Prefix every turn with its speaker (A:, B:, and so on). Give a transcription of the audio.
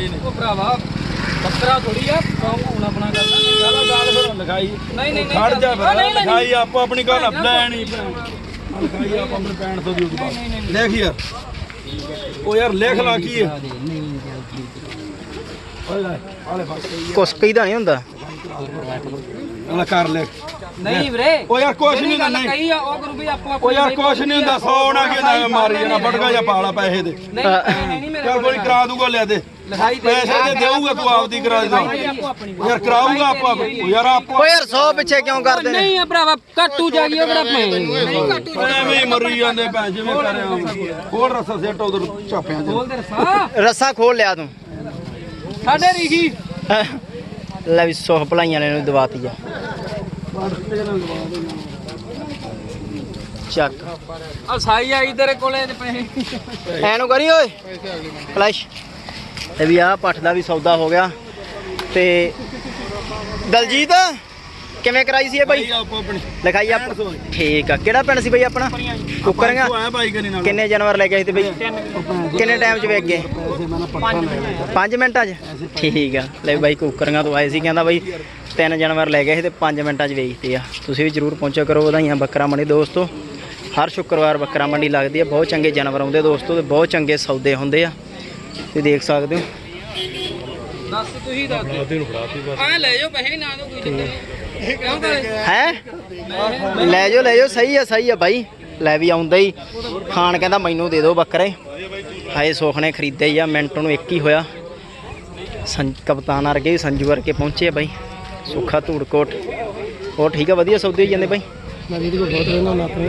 A: ਉਹ ਭਰਾਵਾ ਬੱਕਰਾ ਥੋੜੀ ਆ ਹੁਣ ਆਪਣਾ ਕਰਦਾ
B: ਚਲੋ ਗੱਲ ਫਿਰ ਲਿਖਾਈ
A: ਨਹੀਂ
B: ਖੜ ਜਾ ਫਿਰ ਲਿਖਾਈ ਆਪੋ ਆਪਣੀ ਗੱਲ ਲੈਣੀ ਲਿਖਾਈ ਆਪ ਆਪਣੇ ਪੈਣ ਤੋਂ ਦੀ ਲਿਖ ਯਾਰ ਉਹ ਯਾਰ ਲਿਖ ਲਾ ਕੀ ਹੈ
C: ਕੁਛ ਕਹੀਦਾ ਨਹੀਂ ਹੁੰਦਾ
B: ਅਲਾ ਕਰ ਲਿਖ
A: ਨਹੀਂ ਵੀਰੇ
B: ਉਹ ਯਾਰ ਕੁਛ ਨਹੀਂ ਹੁੰਦਾ ਨਹੀਂ
A: ਕਹੀ ਆ ਉਹ ਕਰੂ ਵੀ ਆਪੋ
B: ਉਹ ਯਾਰ ਕੁਛ ਨਹੀਂ ਹੁੰਦਾ 100 ਨਾ ਕਿ ਨਾ ਮਾਰੀ ਜਾਣਾ ਬਟਕਾ ਜਾਂ ਪਾਲਾ ਪੈਸੇ ਦੇ
A: ਨਹੀਂ ਮੇਰੇ
B: ਚੱਲ ਕੋਈ ਕਰਾ ਦੂਗਾ ਲੈ ਦੇ
A: ਲਿਖਾਈ ਦੇ
B: ਪੈਸੇ ਤੇ ਦੇਊਗਾ ਤੂੰ ਆਪਦੀ ਕਰਾ ਦੇ ਯਾਰ ਕਰਾਊਗਾ ਆਪਾਂ ਯਾਰ ਆਪਾਂ
C: ਓ ਯਾਰ 100 ਪਿੱਛੇ ਕਿਉਂ ਕਰਦੇ ਨੇ
A: ਨਹੀਂ ਆ ਭਰਾਵਾ ਕੱਟੂ ਜਾ ਗਈ ਉਹ ਕਿਹੜਾ ਮੈਂ
B: ਐਵੇਂ ਹੀ ਮਰੀ ਜਾਂਦੇ ਭੈਣ ਜਿਵੇਂ ਕਰਿਆ ਹੋਰ ਰਸਾ ਸੈੱਟ ਉਧਰ ਚਾਪਿਆਂ ਦੇ
A: ਬੋਲ ਦੇ ਰਸਾ
C: ਰੱਸਾ ਖੋਲ ਲਿਆ ਤੂੰ
A: ਸਾਡੇ ਰੀਖੀ
C: ਲੈ ਵੀ ਸੁਖ ਭਲਾਈਆਂ ਨੇ ਇਹਨੂੰ ਦਵਾਤੀ ਆ ਚੱਕ
A: ਆ ਸਾਈ ਆਈ ਤੇਰੇ ਕੋਲੇ ਤੇ ਪੈਸੇ
C: ਐਨੂੰ ਕਰੀ ਓਏ ਫਲੈਸ਼ ਤੇ ਵੀ ਆਹ ਪੱਠ ਦਾ ਵੀ ਸੌਦਾ ਹੋ ਗਿਆ ਤੇ ਦਲਜੀਤ ਕਿਵੇਂ ਕਰਾਈ ਸੀ ਇਹ ਬਾਈ
B: ਆਪੋ ਆਪਣੀ
C: ਲਿਖਾਈ ਆਪ ਠੀਕ ਆ ਕਿਹੜਾ ਪਿੰਡ ਸੀ ਬਾਈ ਆਪਣਾ ਕੁੱਕਰੀਆਂ
B: ਆਇਆ ਬਾਈ ਕਰੀ ਨਾਲ
C: ਕਿੰਨੇ ਜਾਨਵਰ ਲੈ ਕੇ ਆਏ ਤੇ ਬਾਈ ਕਿੰਨੇ ਟਾਈਮ ਚ ਵੇਚ ਗਏ 5 ਮਿੰਟਾਂ ਚ ਠੀਕ ਆ ਲੈ ਬਾਈ ਕੁੱਕਰੀਆਂ ਤੋਂ ਆਏ ਸੀ ਕਹਿੰਦਾ ਬਾਈ 3 ਜਾਨਵਰ ਲੈ ਗਏ ਸੀ ਤੇ 5 ਮਿੰਟਾਂ ਚ ਵੇਚਦੇ ਆ ਤੁਸੀਂ ਵੀ ਜਰੂਰ ਪਹੁੰਚਿਆ ਕਰੋ ਵਧਾਈਆਂ ਬੱਕਰਾ ਮੰਡੀ ਦੋਸਤੋ ਹਰ ਸ਼ੁੱਕਰਵਾਰ ਬੱਕਰਾ ਮੰਡੀ ਲੱਗਦੀ ਆ ਬਹੁਤ ਚੰਗੇ ਜਾਨਵਰ ਆਉਂਦੇ ਦੋਸਤੋ ਤੇ ਬਹੁਤ ਚੰਗੇ ਸੌਦੇ ਹੁੰਦੇ ਆ ਤੁਸੀਂ ਦੇਖ ਸਕਦੇ ਹੋ
A: ਦੱਸ ਤੁਸੀਂ ਦੱਸ ਆ ਲੈ ਜਾਓ ਪੈਸੇ ਨਾ ਦੋ ਕੋਈ ਚੱਕਰ ਨਹੀਂ ਕਿਉਂ ਕਰੇ
C: ਹੈ ਲੈ ਜਾਓ ਸਹੀ ਆ ਬਾਈ ਲੈ ਵੀ ਆਉਂਦਾ ਹੀ ਖਾਨ ਕਹਿੰਦਾ ਮੈਨੂੰ ਦੇ ਦਿਓ ਬੱਕਰੇ ਹਾਏ ਸੁੱਖ ਨੇ ਖਰੀਦੇ ਹੀ ਆ ਮਿੰਟ ਨੂੰ ਇੱਕ ਹੀ ਹੋਇਆ ਕਪਤਾਨ ਵਰਗੇ ਸੰਜੂ ਵਰਗੇ ਪਹੁੰਚੇ ਆ ਬਾਈ ਸੁੱਖਾ ਧੂੜਕੋਟ ਉਹ ਠੀਕ ਆ ਵਧੀਆ ਸੌਦੇ ਹੋਈ ਜਾਂਦੇ ਬਾਈ